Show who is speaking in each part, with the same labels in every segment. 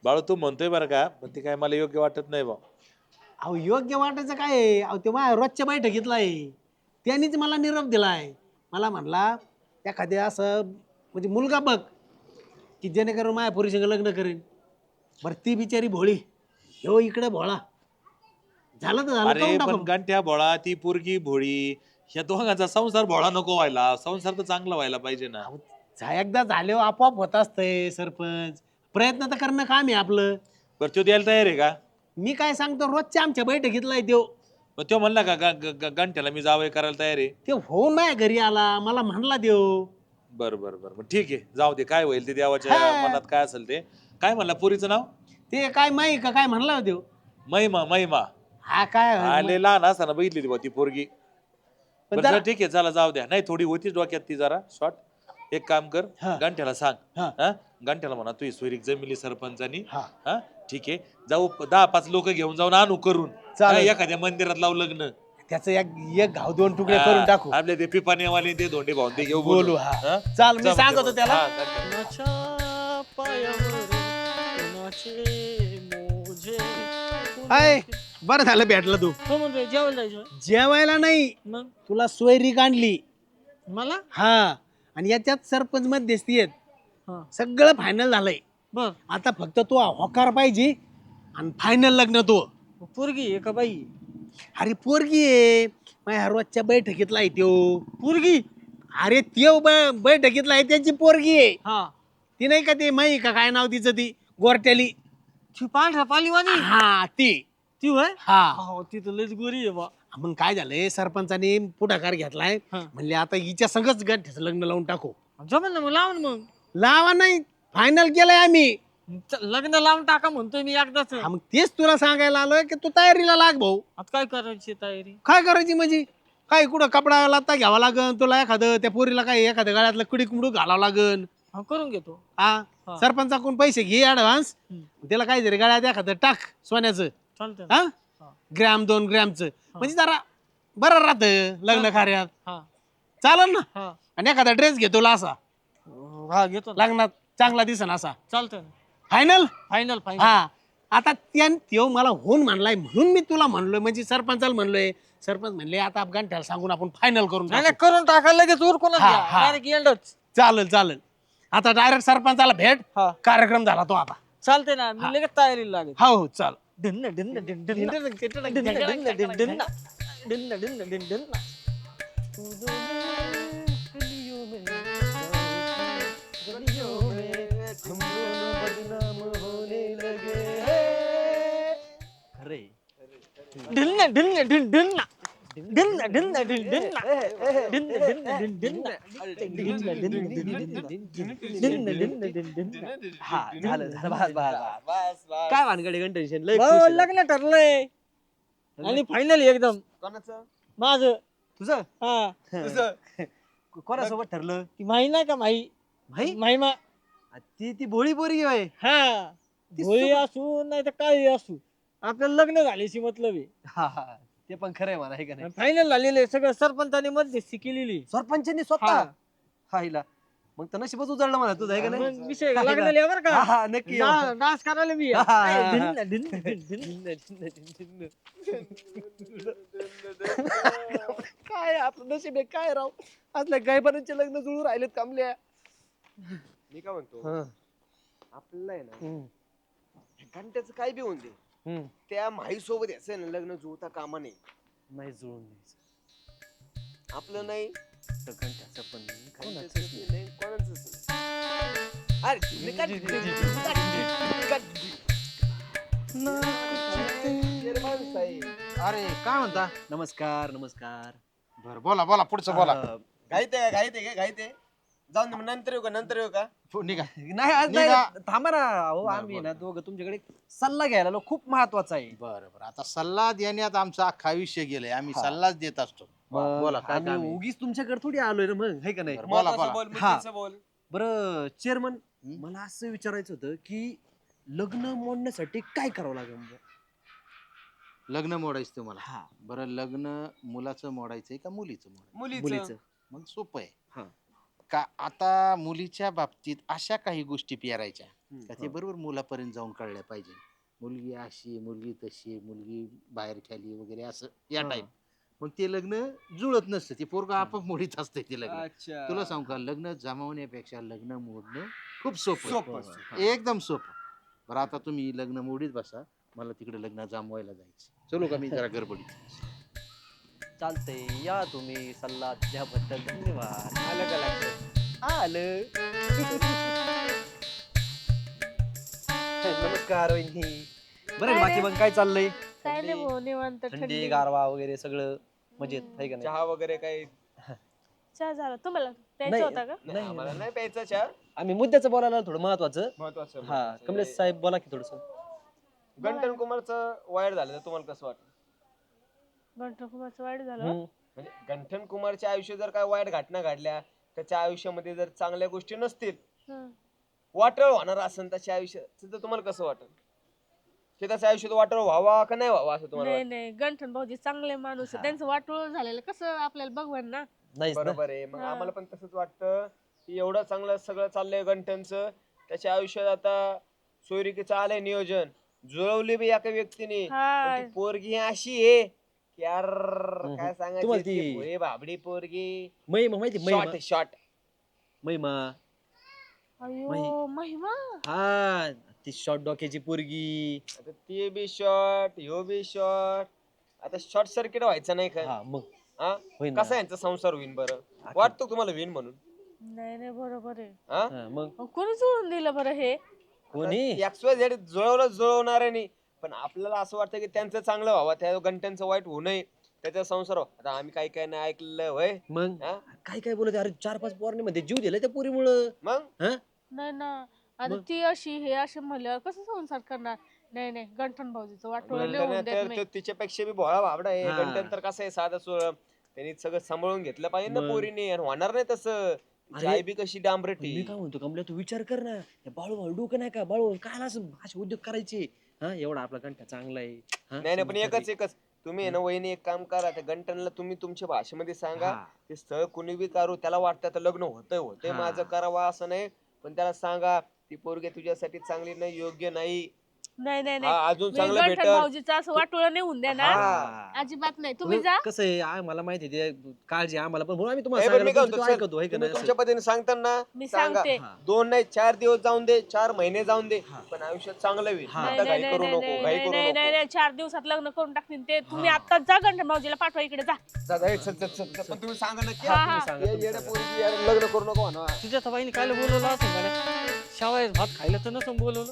Speaker 1: बाळू तू म्हणतोय बरं का, पण ते काय मला योग्य वाटत नाही बा.
Speaker 2: अहो योग्य वाटायचं काय आहे? अहो ते माझ्या रोजच्या बैठकीतला आहे. त्यांनीच मला निरोप दिलाय. मला म्हणला एखाद्या असं म्हणजे मुलगा बघ की जेणेकरून माझ्या पोरीसंग लग्न करेन. बरं ती बिचारी भोळी, ह्यो इकडे भोळा. झालं तर झालं,
Speaker 1: अरे
Speaker 2: करून
Speaker 1: पण
Speaker 2: टाकू.
Speaker 1: गंठ्या भोळा ती पोरगी भोळी, ह्या दोघांचा संसार भोळा नको व्हायला, संसार तर चांगला व्हायला पाहिजे ना.
Speaker 2: अहो, एकदा झाले आपोआप होत असतंय सरपंच. प्रयत्न तर करणं काम आहे आपलं.
Speaker 1: बरं तो द्यायला तयार आहे का?
Speaker 2: मी काय सांगतो, रोजच्या आमच्या बैठकीतला आहे त्यो.
Speaker 1: मग तो म्हणला का गंठ्याला मी जावं करायला तयार आहे?
Speaker 2: ते होऊन माझ्या घरी आला, मला म्हणला देव.
Speaker 1: बरं बरं बरं मग ठीक आहे, जाऊ दे, काय होईल ते देवाच्या
Speaker 2: हा.
Speaker 1: मनात काय असेल ते. काय म्हणला पोरीचं नाव?
Speaker 2: ते काय माही का काय म्हणला देव.
Speaker 1: महिमा. महिमा
Speaker 2: हा काय
Speaker 1: आले लहान असताना बघितली ती बा ती पोरगी.
Speaker 2: पण
Speaker 1: बरं
Speaker 2: जरा-
Speaker 1: चला ठीक आहे, चला जाऊ द्या. नाही थोडी होती डोक्यात ती जरा शॉर्ट. एक काम कर,
Speaker 2: हा.
Speaker 1: गंठ्याला सांग.
Speaker 2: हा.
Speaker 1: हा गंठ्याला म्हणा तू सोयरीक जमिली सरपंचानी.
Speaker 2: हा.
Speaker 1: हा ठीक आहे, जाऊ 10-5 लोक घेऊन जाऊन आणू करून.
Speaker 2: चालेल.
Speaker 1: हा, एखाद्या मंदिरात लावू लग्न.
Speaker 2: त्याचं एक एक घाव दोन तुकडे करून टाकू.
Speaker 1: आपले ते पिपानेवाले ते धोंडे भाऊन ते घेऊ
Speaker 2: बोलू, हा. चाल, मी
Speaker 1: जा म्हणजे
Speaker 2: सांगतो त्याला.
Speaker 1: हा, गंठ्या.
Speaker 3: कुणाच्या पायावर कुणाचे मोजे
Speaker 2: हाय, बरं झालं भेटला तू.
Speaker 3: हो म्हणतोय जेवायला जायचं
Speaker 2: जेवायला नाही,
Speaker 3: मग
Speaker 2: तुला सोयरीक आणली.
Speaker 3: मला
Speaker 2: हा, आणि याच्यात सरपंच मध्यस्थी आहेत.
Speaker 3: हा
Speaker 2: सगळं फायनल झालंय.
Speaker 3: बर
Speaker 2: आता फक्त तू होकार पाहिजे आणि फायनल लग्न तो.
Speaker 3: पोरगी आहे का बाई?
Speaker 2: अरे पोरगी आहे, माझ्या रोजच्या बैठकीतला आहे त्यो.
Speaker 3: पोरगी
Speaker 2: अरे त्यो बैठकीतला आहे, त्याची पोरगी आहे.
Speaker 3: हा
Speaker 2: ती नाही का, ती माही का काय नाव तिचं, ती गोरट्याली.
Speaker 3: ती पांढरा पालीवानी
Speaker 2: हा ती.
Speaker 3: ती होय?
Speaker 2: हा,
Speaker 3: हो ती तर लयच गोरी आहे बा.
Speaker 2: मग काय झालंय, सरपंचाने पुढाकार घेतलाय.
Speaker 3: हा.
Speaker 2: म्हणले आता हिच्या संगच गठ्ठ्याचं लग्न लावून टाकू.
Speaker 3: जमेल ना मग लावून मग
Speaker 2: लावा नाही, फायनल केलंय आम्ही.
Speaker 3: लग्न लावून टाका म्हणतोय मी एकदाच.
Speaker 2: हा, मग तेच तुला सांगायला आलोय की तू तयारीला लाग भाऊ.
Speaker 3: आता काय करायची तयारी?
Speaker 2: काय करायची म्हणजे काय, कुठं कपडा लाता घ्यावा लागन तुला, एखादं त्या पोरीला काय एखाद्या गळ्यातलं कुडी कुंडू घालावं लागन.
Speaker 3: हा करून घेतो.
Speaker 2: हा,
Speaker 3: हा.
Speaker 2: सरपंचाकडून पैसे घे ऍडव्हान्स.
Speaker 3: हम्म.
Speaker 2: त्याला काय तरी गळ्यात एखादं टाक सोन्याचं.
Speaker 3: चालतंय.
Speaker 2: हा,
Speaker 3: हा.
Speaker 2: ग्रॅम 2 ग्रॅमचं, म्हणजे जरा बरं राहतं लग्न कार्यात.
Speaker 3: हा
Speaker 2: चालेल ना.
Speaker 3: हा
Speaker 2: आणि एखादा ड्रेस घेतो असा
Speaker 3: हा घेतो ना.
Speaker 2: लग्नात चांगला दिसन असा.
Speaker 3: चालतंय ना.
Speaker 2: फायनल.
Speaker 3: Final final.
Speaker 2: हा, आता त्यो मला होऊन म्हणलाय म्हणून मी तुला म्हणलोय, म्हणजे सरपंचाला म्हणलोय. सरपंच म्हणले आता गंठ्याला सांगून आपण फायनल करून
Speaker 3: नाही
Speaker 2: टाकू.
Speaker 3: नाही, करून टाका लगेच उरकूनच
Speaker 2: हा,
Speaker 3: घ्या.
Speaker 2: हा.
Speaker 3: डायरेक्ट एंडच.
Speaker 2: चालेल चालेल. आता डायरेक्ट सरपंचाला भेट.
Speaker 3: हा
Speaker 2: कार्यक्रम झाला तो आता.
Speaker 3: चालते ना, मी लगेच तयारीला लागेल.
Speaker 2: हो हो, चाल.
Speaker 3: ढिन्न ढिन्न ढिन्न ढिन्न ढिन्न ढिन्न ढिन्न ढिन्न ढिन्न ढिन्न ढिन्न ढिन्न. गलियों में गलियों में हम दोनों बदनाम होने लगे हैं.
Speaker 2: अरे
Speaker 3: ढिन्न ढिन्न ढिन्न ढिन्न ढिन्न ढिन्न ढिन्न ढिन्न ढिन्न ढिन्न ढिन्न ढिन्न ढिन्न ढिन्न.
Speaker 4: हा झालं झालं बस बस काय भानगडे टेन्शन लय
Speaker 3: हो,
Speaker 4: खुश आहे.
Speaker 3: लग्न ठरलंय आणि फायनल एकदम
Speaker 4: कोणाचं
Speaker 3: माझं.
Speaker 4: तुझं
Speaker 3: हा
Speaker 4: कोणासोबत ठरलं
Speaker 3: ती माही नाही का माही
Speaker 4: भाई
Speaker 3: माहीमा.
Speaker 4: ती भोळी पोरगी आहे
Speaker 3: हा भोळी असू नाही तर काही असू, आपल्याला लग्न झाल्याशी मतलब आहे.
Speaker 4: हा हा ते पण खरंय मला आहे का नाही.
Speaker 3: फायनल झालेलं आहे सगळं, सरपंचाने मध्यस्थी केलेली.
Speaker 4: सरपंचांनी स्वतः हा हिला मग तर नशीबच उजळलं मला तुझं आहे का नाही.
Speaker 3: मग विषय लागलेला बरं
Speaker 4: हा,
Speaker 3: का.
Speaker 4: हा, नक्की येऊ.
Speaker 3: डान्स करायला मी
Speaker 4: हा, हा, हा.
Speaker 3: ढिन्न ढिन्न ढिन्न ढिन्न.
Speaker 4: काय आपलं नशीब आहे काय राव, असल्या गायबानांचे लग्न जुळून राहिलेत कामल्या.
Speaker 5: मी काय म्हणतो आपल्याला आहे ना घंट्याचं काय बी होऊन दे, त्या माई सोबत याचं आहे ना लग्न जुळता कामा नाही.
Speaker 4: नाही जुळून द्यायचं
Speaker 5: आपलं नाही
Speaker 4: तर घंट्याचं पण नाही,
Speaker 5: घंट्याचंच
Speaker 4: कोणाचंच नाही.
Speaker 5: नाही, कोणाचंच नाही. अरे तुम्ही माणूस आहे.
Speaker 2: अरे काय म्हणता.
Speaker 4: नमस्कार नमस्कार.
Speaker 2: बर बोला बोला, पुढचं बोला.
Speaker 5: घाईत आहे का घाईत आहे का घाईत आहे, जाऊन दे मग, नंतर येऊ का नंतर येऊ का.
Speaker 2: निघा.
Speaker 4: नाही आज नाही
Speaker 2: निघा.
Speaker 4: थांबा ना. अहो आम्ही ना दोघं तुमच्याकडे सल्ला घ्यायला आलो, खूप महत्वाचा आहे.
Speaker 6: बरं बरं, आता सल्ला देण्यात आमचा अख्खा विषय गेलाय, आम्ही सल्लाच देत असतो. बोला काय काम
Speaker 4: आम्ही
Speaker 6: आहे?
Speaker 4: उगीच तुमच्याकडे थोडी आलोय ना मग, है का नाही.
Speaker 6: बरं, बोला
Speaker 5: महत्वाचं
Speaker 6: बोला.
Speaker 5: बोल, मुद्द्याचं बोल.
Speaker 4: बरं चेअरमन,
Speaker 6: हं?
Speaker 4: मला असं विचारायचं होतं की लग्न मोडण्यासाठी काय करावं लागेल म्हणजे?
Speaker 6: लग्न मोडायचं तुम्हाला.
Speaker 4: हा
Speaker 6: बरं, लग्न मुलाचं मोडायचंय का मुलीचं मोडायचं?
Speaker 5: मुलीचं
Speaker 4: मुलीचं.
Speaker 6: मग सोपं आहे.
Speaker 4: हा.
Speaker 6: का आता मुलीच्या बाबतीत अशा काही गोष्टी पेरायच्या का ते बरोबर मुलापर्यंत जाऊन कळल्या पाहिजे. मुलगी अशी, मुलगी तशी, मुलगी बाहेर खेळली वगैरे असं या टाईप. मग ते लग्न जुळत नसतं, ते पोरगा आपोआप मोडीत असतं ते लग्न.
Speaker 5: अच्छा
Speaker 6: तुला सांगू का, लग्न जमवण्यापेक्षा लग्न मोडणं खूप सोपं
Speaker 5: सोपं
Speaker 6: आहे.
Speaker 5: असतं.
Speaker 6: एकदम सोपं. बरं आता तुम्ही लग्न मोडीत बसा, मला तिकडे लग्न जमवायला जायचं. चलो का, मी जरा गडबडीत.
Speaker 3: चालतंय, या तुम्ही सल्ला दिल्याबद्दल धन्यवाद.
Speaker 5: आलं का लक्षात?
Speaker 3: आलं. नमस्कार वहिनी. बरं आहे, बाकी मग काय चाललंय?
Speaker 7: काय नाही भाऊ, निवांत
Speaker 3: थंडी गारवा वगैरे सगळं मजेत आहे का नाही?
Speaker 5: चहा वगैरे काही
Speaker 7: चहा झाला तुम्हाला प्यायचा
Speaker 3: नाही.
Speaker 7: होता का?
Speaker 5: नाही आम्हाला नाही प्यायचा चहा.
Speaker 3: आम्ही मुद्द्याचं बोलायला थोडं महत्वाचं.
Speaker 5: महत्वाचं
Speaker 3: हा, कमलेश साहेब बोला की थोडस.
Speaker 5: गंटन कुमारचं वाईट झालं तर तुम्हाला कसं वाटतं?
Speaker 7: गंठन कुमारचं वाईट झालं.
Speaker 5: म्हणजे गंठन कुमारच्या आयुष्यात जर काय वाईट घटना घडल्या, त्याच्या आयुष्यामध्ये जर चांगल्या गोष्टी नसतील,
Speaker 7: हं.
Speaker 5: वाटळ होणार असेल त्याच्या आयुष्यात, तर तुम्हाला कसं वाटेल? की त्याच्या आयुष्यात वाटळ व्हावा का नाही व्हावा असं तुम्हाला
Speaker 7: नाही
Speaker 5: वाटतं?
Speaker 7: नाही, गंठन भाऊजी चांगले माणूस आहे. त्यांचं वाटोळ झालेलं कसं आपल्याला बघवान ना.
Speaker 3: नाहीच ना.
Speaker 5: बरोबर आहे. मग
Speaker 7: हा.
Speaker 5: आम्हाला पण तसंच वाटतं की एवढं चांगलं सगळं चाललंय गंठनचं, त्याच्या आयुष्यात आता सोयरिकीचं आलंय नियोजन, जुळवली बी एका व्यक्तीने,
Speaker 7: हा.
Speaker 5: पण ती पोरगी अशी आहे की यार काय
Speaker 3: तुम्हाला
Speaker 5: सांगायचं,
Speaker 3: ती-
Speaker 5: ती भोळी भाबडी पोरगी.
Speaker 3: महिमा माहिती
Speaker 5: शॉर्ट शॉर्ट.
Speaker 3: महिमा.
Speaker 7: अयो महिमा.
Speaker 3: हा, ती शॉर्ट डोक्याची पोरगी.
Speaker 5: आता ती बी शॉर्ट, ह्यो बी शॉर्ट. आता शॉर्ट सर्किट व्हायचं नाही का?
Speaker 3: हा मग
Speaker 5: हा?
Speaker 3: होईन ना.
Speaker 5: कसा यांचा संसार होईन बरं? वाटतो तुम्हाला होईन म्हणून?
Speaker 7: नाही नाही, बरोबर आहे.
Speaker 5: हा?
Speaker 3: हा, मग
Speaker 7: अहो, कोणी जुळून दिलं बरं हे?
Speaker 3: कोणी
Speaker 5: XYZ जुळवणार नाही, पण आपल्याला असं वाटतं की त्यांचं चांगलं व्हावं, त्या गंठ्यांचं वाईट होऊ नये, त्याचा संसार व्हावा. आता आम्ही काही काही नाही ऐकलं होय.
Speaker 3: मग
Speaker 5: हा?
Speaker 3: काय काय बोलत, अरे 4-5 पोरांनी मध्ये जीव दिला त्या पोरीमुळं.
Speaker 5: मग
Speaker 7: नाही ना, आता
Speaker 3: मग?
Speaker 7: ती अशी हे असे म्हणल्यावर कसं संसार करणार? नाही नाही, गंठन भाऊजीचं वाटोळ
Speaker 5: गंठन
Speaker 7: लिहून देत
Speaker 5: तर
Speaker 7: नाही.
Speaker 5: तो तिच्यापेक्षा बी भोळा भाबडा आहे.
Speaker 3: हा.
Speaker 5: गंठन तर कसं आहे, साधा सोळा. त्यांनी सगळं सांभाळून घेतलं पाहिजे ना
Speaker 3: मग?
Speaker 5: पोरीने, आणि होणार नाही तसं. तिची
Speaker 3: अरे,
Speaker 5: आई बी कशी डांबरटी.
Speaker 3: मी काय म्हणतो कमल्या, तू विचार कर ना, बाळू भाऊ डोकं नाही का, बाळू काय असं असे उद्योग करायचे. हा, एवढा आपला कंठा चांगला आहे. हा,
Speaker 5: नाही नाही, पण
Speaker 3: समजून
Speaker 5: एकच तुम्ही आहे ना वहिनी, एक काम करा, त्या गंटनला तुम्ही तुमच्या भाषेमध्ये सांगा,
Speaker 3: हा.
Speaker 5: ते स्थळ कुणी बी करू, त्याला वाटतं आता लग्न होतंय
Speaker 3: हा.
Speaker 5: माझं करावं असं नाही, पण त्याला सांगा ती पोरगी तुझ्यासाठी चांगली नाही, योग्य नाही.
Speaker 7: नाही नाही
Speaker 5: हा,
Speaker 7: नाही,
Speaker 5: अजून
Speaker 7: मी
Speaker 5: चांगलं
Speaker 7: गंठन
Speaker 5: भेटल.
Speaker 7: भाऊजीचं असं वाटोळ नाही होऊन द्या ना.
Speaker 5: हा.
Speaker 7: अजिबात नाही, तुम्ही जा.
Speaker 3: कसं आहे, मला माहिती आहे ते काळजी आम्हाला पण, म्हणून आम्ही
Speaker 5: नाही,
Speaker 3: तुम्हाला
Speaker 5: पण मी काय
Speaker 3: सांगायला
Speaker 5: म्हणतो,
Speaker 3: तू ऐकतो, है का
Speaker 5: तुम्ही
Speaker 3: नाही
Speaker 5: तुमच्या
Speaker 3: असं?
Speaker 5: पद्धतीने सांगताना
Speaker 7: मी
Speaker 5: सांगा.
Speaker 7: सांगते.
Speaker 3: हा.
Speaker 5: 2 नाही 4 दिवस जाऊन दे, 4 महिने जाऊन दे, पण आयुष्यात चांगलं होईल.
Speaker 3: हा.
Speaker 7: नाही
Speaker 5: आता
Speaker 7: नाही
Speaker 5: घाई
Speaker 7: नाही
Speaker 5: करू
Speaker 7: नाही
Speaker 5: नको, घाई
Speaker 7: नाही
Speaker 5: करू
Speaker 7: नाही नाही
Speaker 5: नको.
Speaker 7: नाही, 4 दिवसात लग्न करून टाकतील ते. तुम्ही आता जा गंठन भाऊजीला पाठवा इकडे जा.
Speaker 5: जा, जा, चल, चल, चल, चल. पण तुम्ही सांगा नक्की,
Speaker 7: हा,
Speaker 5: हा,
Speaker 7: हा.
Speaker 5: तुम्ही सांगा, येड्या पोरीची यार लग्न करू नको म्हणा.
Speaker 8: तुझ्या सबाईने काय बोलवलं असं मला, शावाय भात खायला तर नसून बोलवलं.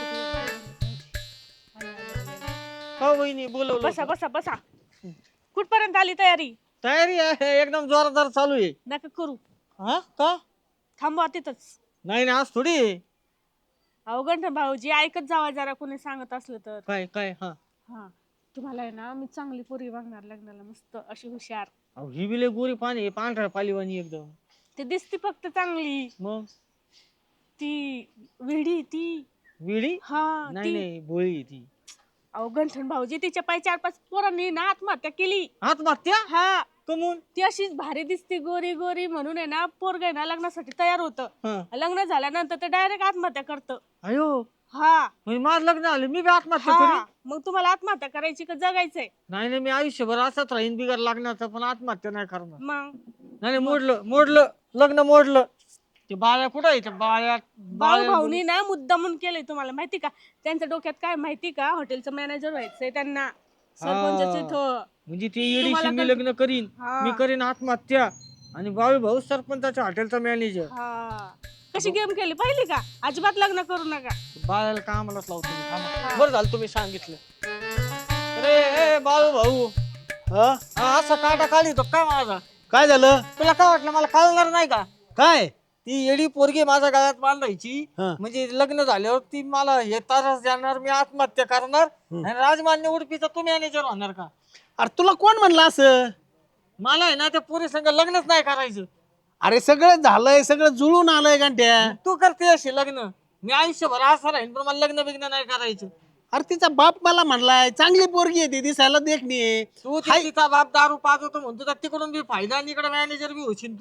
Speaker 8: हो वहिनी बोलवलं
Speaker 7: बसा
Speaker 8: होतं.
Speaker 7: बसा बसा. कुठपर्यंत आली तयारी?
Speaker 8: तयारी आहे एकदम जोरदार चालू आहे.
Speaker 7: नका करू,
Speaker 8: हा का?
Speaker 7: थांबवा तिथंच.
Speaker 8: नाही ना, आज थोडी आहे.
Speaker 7: अहो गंठन भाऊजी ऐकत जावा जरा, कोणी सांगत असलं तर.
Speaker 8: काय काय हा
Speaker 7: हा, तुम्हाला आहे ना मी चांगली पोरगी बघणार लग्नाला, मस्त अशी हुशार.
Speaker 8: अहो, ही बिले गोरी पाणी आहे, पांढऱ्या पालीवाणी एकदम.
Speaker 7: ते दिसती फक्त चांगली,
Speaker 8: मग
Speaker 7: ती विडी ती.
Speaker 8: विडी
Speaker 7: हा
Speaker 8: नाही
Speaker 7: ती.
Speaker 8: नाही भोळी आहे ती.
Speaker 7: अहो गंठन भाऊजी तिच्या पाय 4-5 पोरांनी ना आत्महत्या केली.
Speaker 8: आत्महत्या
Speaker 7: हा,
Speaker 8: कमून.
Speaker 7: ती अशीच भारी दिसती गोरी गोरी म्हणून आहे ना, पोरग आहे ना लग्नासाठी तयार होतं.
Speaker 8: हा.
Speaker 7: लग्न झाल्यानंतर ते डायरेक्ट आत्महत्या करतं.
Speaker 8: अयो,
Speaker 7: हा
Speaker 8: म्हणजे माझं लग्न झालं मी बी आत्महत्या
Speaker 7: हा,
Speaker 8: करी.
Speaker 7: मग तुम्हाला आत्महत्या करायची का जगायचंय?
Speaker 8: नाही नाही, मी आयुष्यभर असंच राहीन बिगर लागण्याचं, पण आत्महत्या नाही करणार.
Speaker 7: मग
Speaker 8: नाही नाही, मोडलं लग्न मोडलं. ते बाळ्या कुठं आहे? ते बाळ्या
Speaker 7: भाऊ भाऊनी ना मुद्दामून केलंय, तुम्हाला माहिती का? त्यांच्या डोक्यात काय माहिती का, हॉटेलचं मॅनेजर व्हायचंय त्यांना, सरपंचाचं इथं.
Speaker 8: म्हणजे ती येडीशी
Speaker 7: तुम्हाला
Speaker 8: मी
Speaker 7: कल-
Speaker 8: लग्न करीन,
Speaker 7: हा.
Speaker 8: मी करीन आत्महत्या, आणि बाळू भाऊ सरपंचाच्या हॉटेलचा मॅनेजर.
Speaker 7: हा, कशी गेम केली पाहिली का? अजिबात लग्न करू नका.
Speaker 8: बाळाला कामालाच लावतो मी, थांबा.
Speaker 7: हा.
Speaker 8: बरं झालं तुम्ही सांगितलं. अरे ए बाळू भाऊ,
Speaker 2: हा?
Speaker 8: हा, असा काटा काढी तो काय माझा?
Speaker 2: काय झालं?
Speaker 8: तुला काय वाटलं मला कळणार नाही का?
Speaker 2: काय?
Speaker 8: ती येडी पोरगी माझ्या गळ्यात बांधायची,
Speaker 2: हा.
Speaker 8: म्हणजे लग्न झाल्यावर ती मला हे त्रास देणार, मी आत्महत्या करणार, आणि राजमान्य उडपीचा तू मॅनेजर होणार का?
Speaker 2: अरे तुला कोण म्हणलं असं?
Speaker 8: मला आहे ना त्या पोरी संग लग्नच नाही करायचं.
Speaker 2: अरे सगळं झालंय, सगळं जुळून आलंय घंट्या.
Speaker 8: तू करते असे लग्न, मी आयुष्यभर असं राहीन, पण मला लग्न बिग्न नाही करायचं.
Speaker 2: अरे तिचा बाप मला म्हणलाय चांगली पोरगी आहे ती, दिसायला देखणी आहे.
Speaker 8: तू तिचा बाप दारू पाजवतो म्हणतो तर तिकडून बी फायदा, आणि इकडे मॅनेजर बी होशील तू.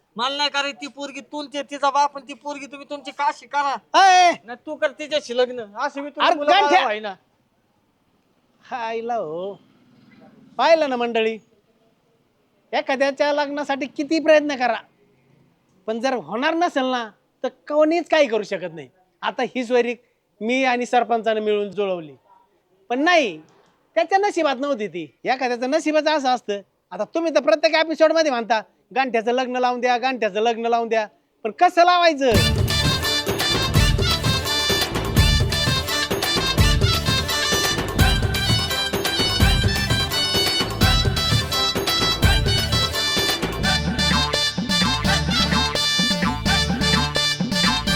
Speaker 8: मला नाही करायची ती पोरगी तुमची तिचा बाप आणि ती पोरगी तुम्ही तुमची काशी करा
Speaker 2: अय,
Speaker 8: ना तू कर तिच्याशी लग्न असं मी
Speaker 2: अरे
Speaker 8: तुला
Speaker 2: गांठ्या!
Speaker 8: ना
Speaker 2: हायला हो पाहिलं ना मंडळी, एखाद्याच्या लग्नासाठी किती प्रयत्न करा पण जर होणार नसेल ना तर कोणीच काही करू शकत नाही. आता ही सोयरी मी आणि सरपंचाने मिळून जुळवली पण नाही, त्याच्या नशिबात नव्हती ती. एखाद्याचं नशिबाचं असं असतं. आता तुम्ही तर प्रत्येक एपिसोड मध्ये म्हणता गांठ्याचं लग्न लावून द्या, गांठ्याचं लग्न लावून द्या, पण कसं लावायचं?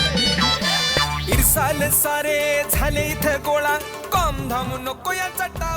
Speaker 9: इरसाल सारे झाले इथं गोळा कॉम धाम नको या चट्टा